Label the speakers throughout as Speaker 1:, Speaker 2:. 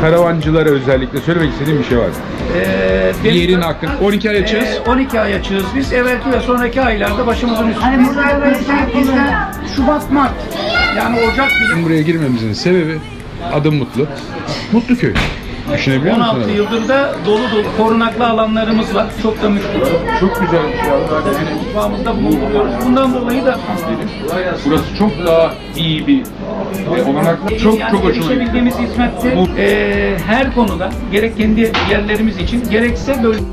Speaker 1: karavancılara özellikle söylemek istediğim bir şey var. Yerin hakkında 12 ay açığız.
Speaker 2: 12 ay açığız biz. Evvelki ve sonraki aylarda başımızın üstünde.
Speaker 3: Hani burada böyle
Speaker 2: Bizde Şubat, Mart. Yani Ocak bile.
Speaker 1: Bizim buraya girmemizin sebebi adım Mutlu. Mutlu köy. Düşünebiliyor musun?
Speaker 2: 16 yıldır da dolu korunaklı alanlarımız var. Çok da müşkül.
Speaker 1: Çok güzel bir şey.
Speaker 2: Mutfağımızda bulunduruyoruz. Bundan dolayı da
Speaker 1: Burası çok daha iyi bir olanak. Çok
Speaker 2: yani
Speaker 1: çok hoşuma gitti.
Speaker 2: erişebildiğimiz hizmette her konuda gerek kendi yerlerimiz için gerekse böyle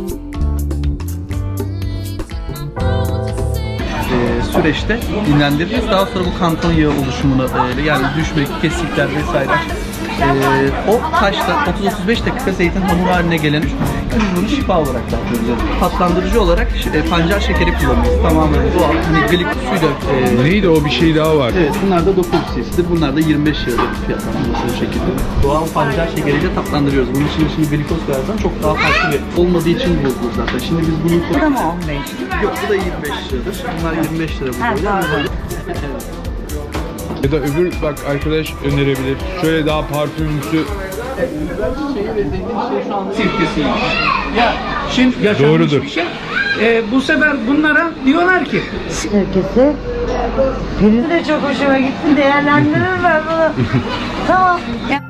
Speaker 4: süreçte dinlendireceğiz. Daha sonra bu kanton yağı oluşumuna yani düşmek, kesikler vesaire. O taşta 30-35 dakika zeytin hamuru haline gelen biz bunu şifa olarak dağıtıyoruz. Tatlandırıcı olarak pancar şekeri kullanıyoruz. Tamamen doğal. Hani glikosuyla
Speaker 1: Neydi o, bir şey daha var.
Speaker 4: evet, bunlar da 9 cc'dir. Bunlar da 25 liradır fiyatlandırması bu şekilde. Doğal pancar şekeriyle tatlandırıyoruz. Bunun için şimdi glikoz koyarsan çok daha farklı bir olmadığı için bozulur zaten. Şimdi biz bunu...
Speaker 3: Bu da mı 15?
Speaker 4: Yok, bu da 25 liradır. Bunlar 25 lira bu
Speaker 3: Ha,
Speaker 4: böyle.
Speaker 3: pardon.
Speaker 1: Ya da öbür bak arkadaş önerebilir. Şöyle daha parfümümsü.
Speaker 4: Şeyi ve zengin şey şu anda
Speaker 2: sirkesiymiş. Ya şimdi yaşanmış
Speaker 1: Doğrudur.
Speaker 2: bir şey. Bu sefer bunlara diyorlar ki
Speaker 3: Herkese. Benim de çok hoşuma gitti. Değerlendiririm ben bunu. Tamam. Ya.